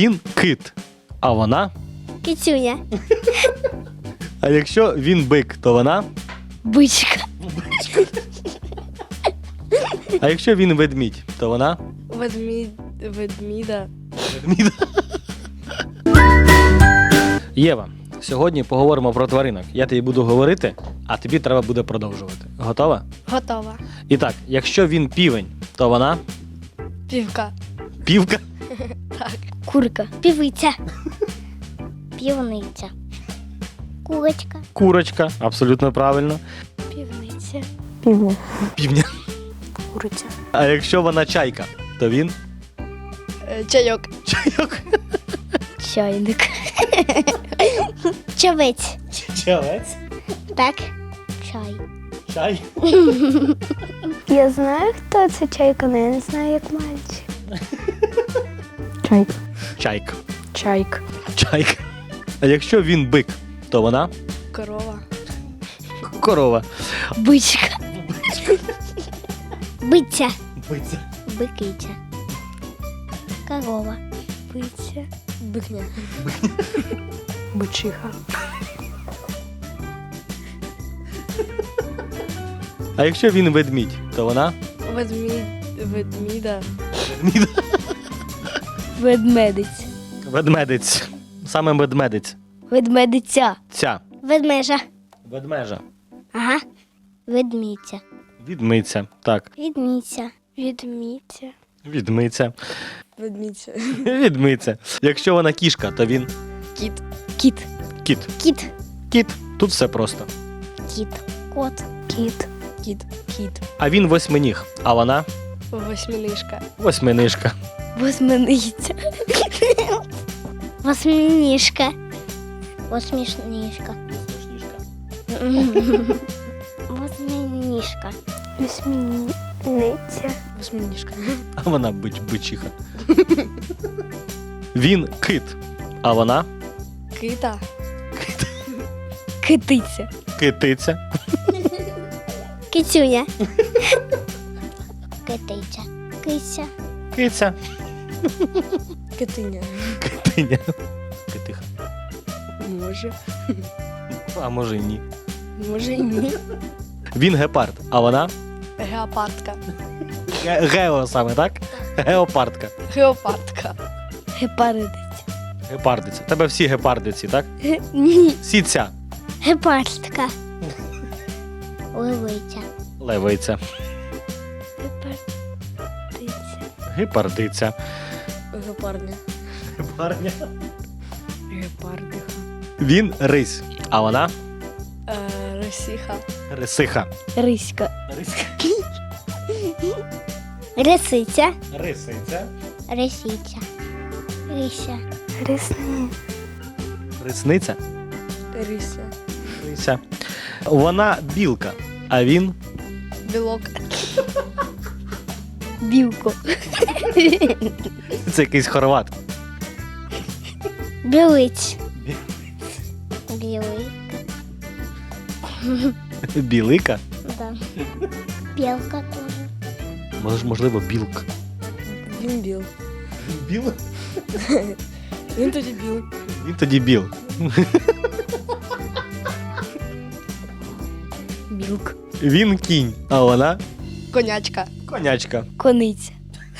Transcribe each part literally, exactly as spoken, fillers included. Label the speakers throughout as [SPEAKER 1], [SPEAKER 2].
[SPEAKER 1] Він кит, а вона?
[SPEAKER 2] Кицюня.
[SPEAKER 1] А якщо він бик, то вона?
[SPEAKER 2] Бичка.
[SPEAKER 1] А якщо він ведмідь, то вона?
[SPEAKER 3] Ведмідь, ведміда.
[SPEAKER 1] Ведмідь. Єва, сьогодні поговоримо про тваринок. Я тобі буду говорити, а тобі треба буде продовжувати. Готова?
[SPEAKER 3] Готова.
[SPEAKER 1] І так, якщо він півень, то вона?
[SPEAKER 3] Півка.
[SPEAKER 1] Півка.
[SPEAKER 3] Так.
[SPEAKER 2] Курка. Півиця. Півниця. Курочка.
[SPEAKER 1] Курочка, абсолютно правильно.
[SPEAKER 3] Півниця.
[SPEAKER 2] Півня.
[SPEAKER 1] Півня.
[SPEAKER 3] Куриця.
[SPEAKER 1] А якщо вона чайка, то він?
[SPEAKER 3] Е, Чайок.
[SPEAKER 1] Чайок.
[SPEAKER 2] Чайник. Чавець.
[SPEAKER 1] Чавець.
[SPEAKER 2] Так. Чай.
[SPEAKER 1] Чай.
[SPEAKER 4] Я знаю, хто це чайка, але я не знаю, як мальчик. Чайка.
[SPEAKER 1] Чайка.
[SPEAKER 3] Чайк.
[SPEAKER 1] Чайка. А якщо він бик, то вона?
[SPEAKER 3] Корова.
[SPEAKER 1] Корова.
[SPEAKER 2] Бичка. Биця.
[SPEAKER 1] Биця.
[SPEAKER 2] Бикиця. Корова.
[SPEAKER 3] Биця. Бикня. Бичиха.
[SPEAKER 1] А якщо він ведмідь, то вона?
[SPEAKER 3] Ведмідь. Ведміда.
[SPEAKER 1] Ведмідь.
[SPEAKER 2] Ведмедиць.
[SPEAKER 1] Ведмедець. Саме ведмедець.
[SPEAKER 2] Ведмедиця.
[SPEAKER 1] Ця.
[SPEAKER 2] Ведмежа.
[SPEAKER 1] Ведмежа.
[SPEAKER 2] Ага. Ведмідця.
[SPEAKER 1] Відмиця. Так.
[SPEAKER 2] Відмідця.
[SPEAKER 3] Відміця.
[SPEAKER 1] Відмиця.
[SPEAKER 3] Ведмідця.
[SPEAKER 1] Відмиця. Якщо вона кішка, то він?
[SPEAKER 3] Кіт.
[SPEAKER 2] Кіт.
[SPEAKER 1] Кіт.
[SPEAKER 2] Кіт.
[SPEAKER 1] Кіт. Тут все просто.
[SPEAKER 2] Кіт. Кот.
[SPEAKER 3] Кіт. Кіт. Кіт.
[SPEAKER 1] А він восьминіг, а вона?
[SPEAKER 3] Восьминишка.
[SPEAKER 1] Восьминижка.
[SPEAKER 2] Восьминиця. Восьминіжка. Восьмішніжка. Восьминіжка.
[SPEAKER 4] Вісьміниця.
[SPEAKER 3] Восьминишка.
[SPEAKER 1] А вона бич, бичиха. Він кит, а вона?
[SPEAKER 3] Кита.
[SPEAKER 2] Китиця.
[SPEAKER 1] Китиця.
[SPEAKER 2] Кицюня. Китиця. Киця.
[SPEAKER 1] Киця.
[SPEAKER 3] Китиня.
[SPEAKER 1] Китиня. Китиха.
[SPEAKER 3] Може.
[SPEAKER 1] А може й ні.
[SPEAKER 3] Може і ні.
[SPEAKER 1] Він гепард, а вона?
[SPEAKER 3] Геопардка.
[SPEAKER 1] Ге- Гео саме, так? Геопардка.
[SPEAKER 3] Геопардка.
[SPEAKER 2] Гепардиця.
[SPEAKER 1] Гепардиця. Тебе всі гепардиці, так?
[SPEAKER 2] Ні.
[SPEAKER 1] Сіця.
[SPEAKER 2] Гепардка. Левиця.
[SPEAKER 1] Левиця.
[SPEAKER 2] Гепардиця.
[SPEAKER 1] Гепардиця.
[SPEAKER 3] Гепардня.
[SPEAKER 1] Гепардня.
[SPEAKER 3] Гепардиха.
[SPEAKER 1] Він рись, а вона?
[SPEAKER 3] Е, Росіха.
[SPEAKER 1] Рисиха.
[SPEAKER 2] Риська.
[SPEAKER 1] Риська.
[SPEAKER 2] Рисиця.
[SPEAKER 1] Рисиця.
[SPEAKER 2] Рисиця. Рися.
[SPEAKER 4] Рисни.
[SPEAKER 1] Рисниця.
[SPEAKER 3] Рися.
[SPEAKER 1] Рися. Вона білка, а він?
[SPEAKER 3] Білок.
[SPEAKER 2] Білко.
[SPEAKER 1] Це якийсь хорват.
[SPEAKER 2] Білиць. Білий.
[SPEAKER 1] Білика?
[SPEAKER 2] Да. Білка теж.
[SPEAKER 1] Мож- Можливо, білка.
[SPEAKER 3] Він біл.
[SPEAKER 1] Біл?
[SPEAKER 3] Він тоді біл.
[SPEAKER 1] Він тоді біл.
[SPEAKER 3] Білк.
[SPEAKER 1] Він кінь, а вона?
[SPEAKER 3] Конячка.
[SPEAKER 1] Конячка.
[SPEAKER 2] Кониця.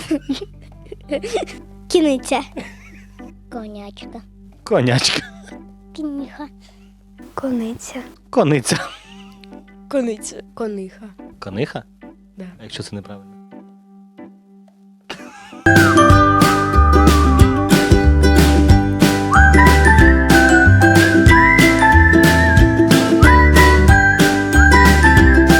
[SPEAKER 2] Кіниця. Конячка.
[SPEAKER 1] Конячка.
[SPEAKER 2] Кініха.
[SPEAKER 4] Кониця.
[SPEAKER 1] Кониця.
[SPEAKER 3] Кониця. Кониха.
[SPEAKER 1] Кониха?
[SPEAKER 3] Да.
[SPEAKER 1] А якщо це неправильно?